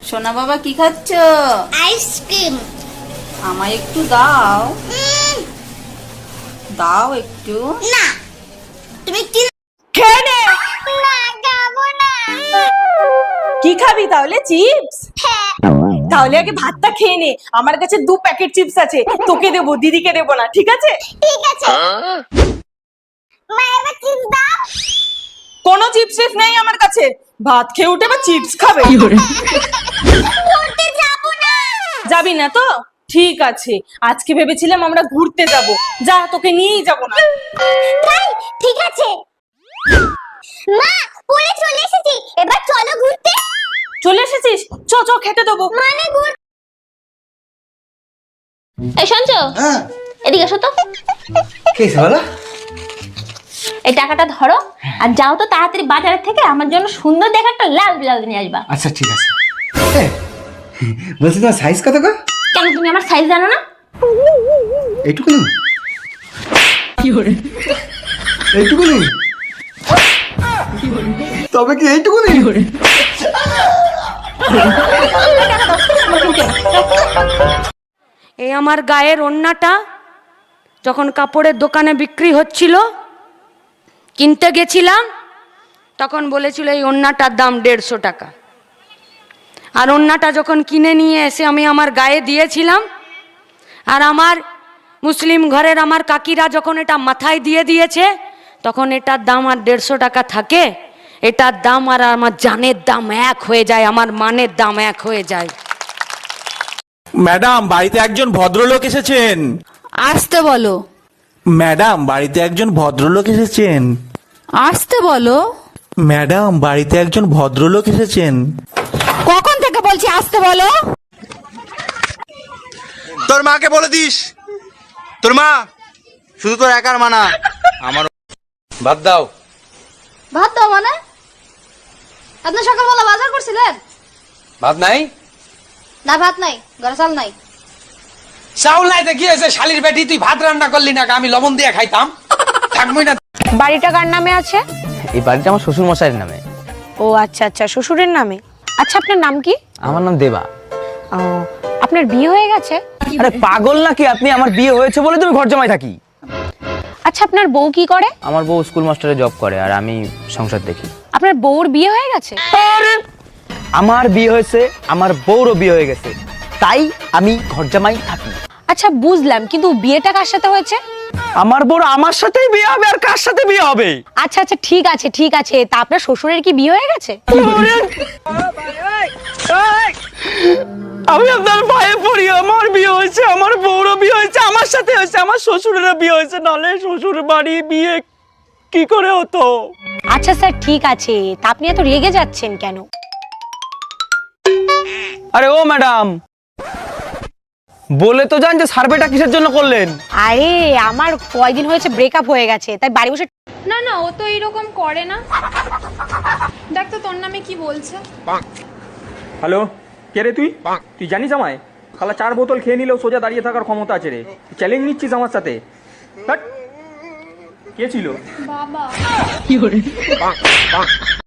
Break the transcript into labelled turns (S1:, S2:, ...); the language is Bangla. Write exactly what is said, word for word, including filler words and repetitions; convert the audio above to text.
S1: সোনা বাবা কি খাচ্ছ?
S2: আইসক্রিম।
S1: আমায় একটু দাও। দাও একটু।
S2: না, তুমি কি
S3: খেয়ে নে।
S2: না খাবো না।
S3: কি খাবি তাহলে? চিপস?
S2: হ্যাঁ।
S3: তাহলে আগে ভাতটা খেয়ে নে। আমার কাছে দু প্যাকেট চিপস আছে, তোকে দেবো, দিদিকে দেবো না, ঠিক আছে?
S2: ঠিক আছে। মা এবার চিপস দাও।
S3: কোনো চিপস টিপস নেই আমার কাছে। ভাত খেয়ে উঠে বা চিপস খাবে?
S2: ঘুরতে যাবো না।
S3: যাবি না তো? ঠিক আছে, আজকে ভেবেছিলাম আমরা ঘুরতে যাব। যা, তোকে নিয়েই যাব না।
S2: তাই ঠিক আছে। মা পড়ে চলে এসেছি, এবার চলো ঘুরতে।
S3: চলে এসেছিস? চ চ, খেতে দেবো।
S2: মানে ঘুর।
S4: এই শুনছো?
S5: হ্যাঁ,
S4: এদিকে এসো তো।
S5: কি হয়েছে বলো?
S4: এই টাকাটা ধরো আর যাও তো তাড়াতাড়ি বাজারের থেকে আমার জন্য সুন্দর দেখে একটা লাল ব্লাউজ নিয়ে আসবা।
S5: আচ্ছা ঠিক আছে। এ, বলছি তোমার সাইজ কত গো?
S4: কেন তুমি আমার সাইজ জানো না?
S5: এইটুকু নেই? এইটুকু নেই? তবে কি এইটুকু নেই?
S6: এই আমার গায়ের ওড়নাটা যখন কাপড়ের দোকানে বিক্রি হচ্ছিল, কিনতে গেছিলাম, তখন বলেছিল এই ওড়নাটার দাম দেড়শো টাকা। আর ওড়নাটা যখন কিনে নিয়ে এসে আমি আমার গায়ে দিয়েছিলাম, আর আমার মুসলিম ঘরের আমার কাকিরা যখন এটা মাথায় দিয়ে দিয়েছে, তখন এটার দাম আর দেড়শো টাকা থাকে? এটার দাম আর আমার জানের দাম এক হয়ে যায়, আমার মানের দাম এক হয়ে যায়।
S7: ম্যাডাম, বাড়িতে একজন ভদ্রলোক এসেছেন।
S8: আসতে বলো।
S7: ম্যাডাম, বাড়িতে একজন ভদ্রলোক এসেছেন।
S8: আসতে বলো।
S7: ম্যাডাম, বাড়িতে একজন ভদ্রলোক এসেছেন।
S8: কখন থেকে বলছি আসতে বলো?
S9: তোর মাকে বলে দিস, তোর মা শুধু তোর একার মানা, আমার বাদ দাও।
S4: ভাত দাও মানে? আপনি সকালবেলা বাজার করছিলেন?
S9: ভাত নাই?
S4: না ভাত নাই, ঘরে চাল নাই।
S9: চাউল নাই তো কি হয়েছে? শালির বেটি, তুই ভাত রান্না করলি না, আমি লবণ দিয়ে খাইতাম। থাকবই না।
S6: বাড়িটা কার নামে আছে?
S10: এই বাড়িটা আমার শ্বশুর মশাইয়ের নামে।
S6: ও আচ্ছা আচ্ছা, শ্বশুরের নামে। আচ্ছা, আপনার নাম কি?
S10: আমার নাম দেবা।
S6: ও, আপনার বিয়ে হয়ে গেছে?
S10: আরে পাগল নাকি আপনি? আমার বিয়ে হয়েছে বলে তুমি ঘর জমাই থাকি।
S6: আচ্ছা, আপনার বউ কি করে?
S10: আমার বউ স্কুল মাস্টারে জব করে আর আমি সংসার দেখি।
S6: আপনার বউর বিয়ে হয়ে গেছে?
S10: আমার বিয়ে হয়েছে, আমার বউরও বিয়ে হয়ে গেছে, তাই আমি ঘর জামাই থাকি।
S6: আচ্ছা বুঝলাম, কিন্তু বিয়েটা কার সাথে হয়েছে?
S10: আমার বউর আমার সাথেই বিয়ে হবে, আর কার সাথে বিয়ে হবে?
S6: আচ্ছা আচ্ছা, ঠিক আছে ঠিক আছে। তা আপনার শ্বশুরের কি বিয়ে হয়ে গেছে?
S10: আমি আপনার পায়ে পড়ি, আমার বিয়ে হয়েছে, আমার বউরও বিয়ে হয়েছে, আমার সাথে হয়েছে, আমার শ্বশুরেরও বিয়ে হয়েছে, নাহলে শ্বশুর বাড়ি বিয়ে কি করে হতো?
S6: আচ্ছা স্যার, ঠিক আছে। তা আপনি এত রেগে যাচ্ছেন কেন?
S10: আরে ও ম্যাডাম, বলে তো জান যে সার্ভেটা কিসের জন্য করলেন?
S6: আরে আমার কয়দিন হয়েছে ব্রেকআপ হয়ে গেছে, তাই বাড়ি বসে।
S8: না না, ও তো এইরকম করে না। দেখ তো তোর নামে কি বলছে।
S11: হ্যালো, কে রে তুই? তুই জানিস আমায়? খালা চার বোতল খেয়ে নিলেও সোজা দাঁড়িয়ে থাকার ক্ষমতা আছে রে। চ্যালেঞ্জ নিচ্ছিস আমার সাথে? কে ছিল?
S8: বাবা।